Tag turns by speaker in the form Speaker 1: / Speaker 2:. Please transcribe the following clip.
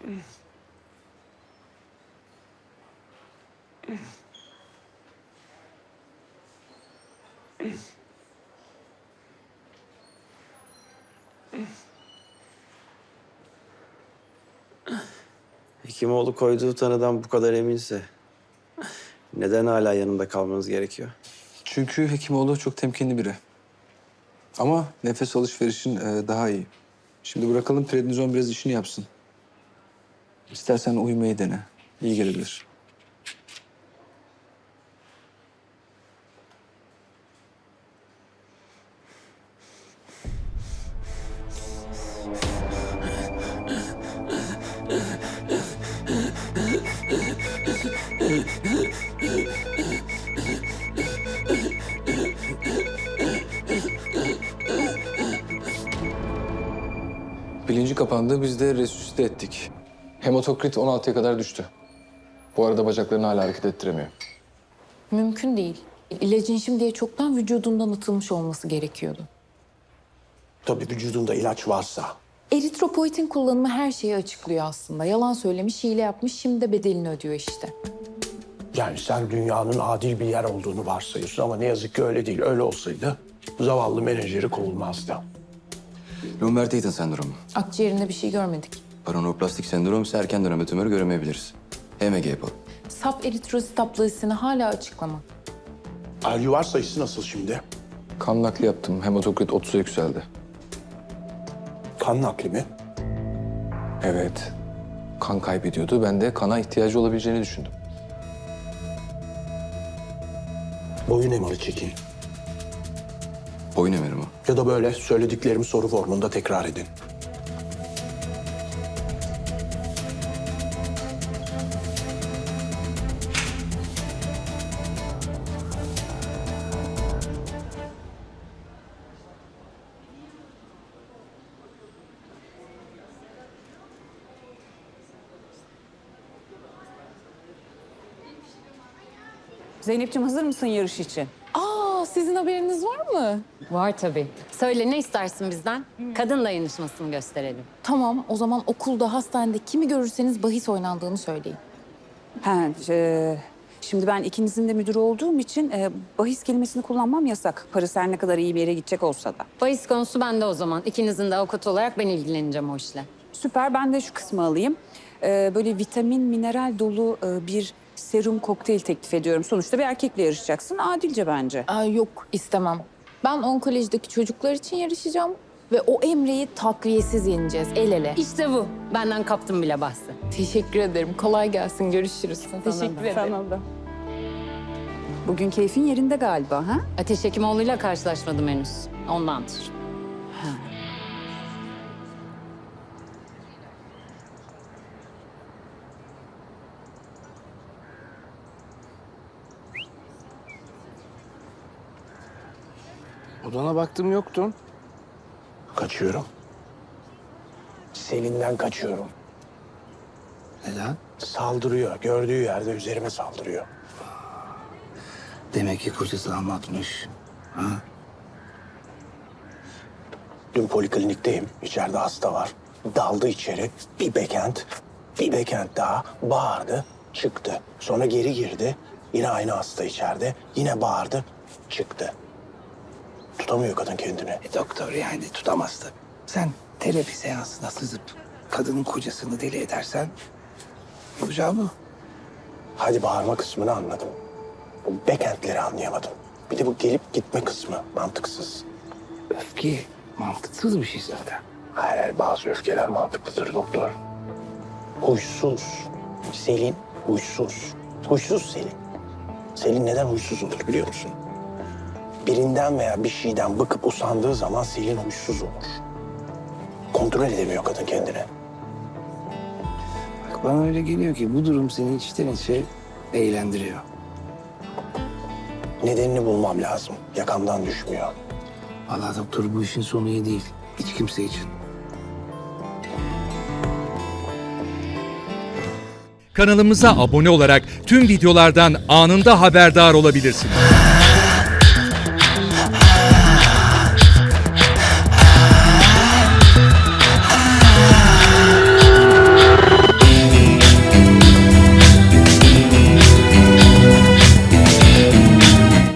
Speaker 1: Hekimoğlu koyduğu tanıdan bu kadar eminse neden hala yanında kalmanız gerekiyor?
Speaker 2: Çünkü Hekimoğlu çok temkinli biri. Ama nefes alışverişin daha iyi. Şimdi bırakalım prednizon biraz işini yapsın. İstersen uyumayı dene. İyi gelebilir. Bilinci kapandı, biz de resüsite ettik. Hematokrit 16'ya kadar düştü. Bu arada bacaklarını hala hareket ettiremiyor.
Speaker 3: Mümkün değil. İlacın şimdiye çoktan vücudundan atılmış olması gerekiyordu.
Speaker 4: Tabii vücudunda ilaç varsa.
Speaker 3: Eritropoietin kullanımı her şeyi açıklıyor aslında. Yalan söylemiş, hile yapmış, şimdi de bedelini ödüyor işte.
Speaker 4: Yani sen dünyanın adil bir yer olduğunu varsayıyorsun ama ne yazık ki öyle değil. Öyle olsaydı zavallı menajeri kovulmazdı.
Speaker 2: Lomberg-Eaton sendromu.
Speaker 3: Akciğerinde bir şey görmedik.
Speaker 2: Paraneoplastik sendrom ise erken dönemde tümörü göremeyebiliriz. HMG yapalım.
Speaker 3: Saf eritrosit aplazisini hala açıklama.
Speaker 4: Alüvar sayısı nasıl şimdi?
Speaker 2: Kan nakli yaptım. Hematokrit 30'a yükseldi.
Speaker 4: Kan nakli mi?
Speaker 2: Evet. Kan kaybediyordu. Ben de kana ihtiyacı olabileceğini düşündüm.
Speaker 4: Boyun emali çekin.
Speaker 2: Boyun emeri mi?
Speaker 4: Ya da böyle söylediklerimi soru formunda tekrar edin.
Speaker 5: Zeynep'ciğim hazır mısın yarış için?
Speaker 3: Aa, sizin haberiniz var mı?
Speaker 6: Var tabii. Söyle ne istersin bizden? Kadın dayanışmasını gösterelim.
Speaker 3: Tamam, o zaman okulda, hastanede kimi görürseniz bahis oynandığını söyleyin.
Speaker 5: Şimdi ben ikinizin de müdürü olduğum için bahis kelimesini kullanmam yasak. Parası her ne kadar iyi bir yere gidecek olsa da.
Speaker 6: Bahis konusu bende o zaman. İkinizin de avukatı olarak ben ilgileneceğim o işle.
Speaker 5: Süper, ben de şu kısmı alayım. Böyle vitamin, mineral dolu bir serum kokteyl teklif ediyorum. Sonuçta bir erkekle yarışacaksın. Adilce bence.
Speaker 3: Aa, yok, istemem. Ben onkolojideki çocuklar için yarışacağım ve o Emre'yi takviyesiz yeneceğiz, el ele.
Speaker 6: İşte bu. Benden kaptım bile bahsi.
Speaker 3: Teşekkür ederim. Kolay gelsin. Görüşürüz. Teşekkür ederim.
Speaker 5: Sana da. Bugün keyfin yerinde galiba ha?
Speaker 6: Ateş Hekimoğlu'yla karşılaşmadım henüz. Ondandır.
Speaker 4: Odana baktım yoktun. Kaçıyorum. Selin'den kaçıyorum.
Speaker 7: Neden?
Speaker 4: Saldırıyor. Gördüğü yerde üzerime saldırıyor.
Speaker 7: Demek ki kocası anlatmış. Ha?
Speaker 4: Dün poliklinikteyim. İçeride hasta var. Daldı içeri. Bir backhand daha bağırdı, çıktı. Sonra geri girdi. Yine aynı hasta içeride. Yine bağırdı, çıktı. Tutamıyor kadın kendini.
Speaker 7: Doktor yani tutamaz tabii. Sen terapi seansına sızıp kadının kocasını deli edersen olacağı bu.
Speaker 4: Hadi bağırma kısmını anladım. Bu backhandleri anlayamadım. Bir de bu gelip gitme kısmı mantıksız.
Speaker 7: Öfke mantıksız bir şey zaten.
Speaker 4: Hayır, bazı öfkeler mantıklıdır doktor. Huysuz. Selin huysuz. Huysuz Selin. Selin neden huysuz olur biliyor musun? Birinden veya bir şeyden bıkıp usandığı zaman Selin huysuz olur. Kontrol edemiyor kadın kendini.
Speaker 7: Bak bana öyle geliyor ki bu durum seni içten içe eğlendiriyor.
Speaker 4: Nedenini bulmam lazım. Yakamdan düşmüyor.
Speaker 7: Vallahi doktor bu işin sonu iyi değil. Hiç kimse için.
Speaker 8: Kanalımıza abone olarak tüm videolardan anında haberdar olabilirsiniz.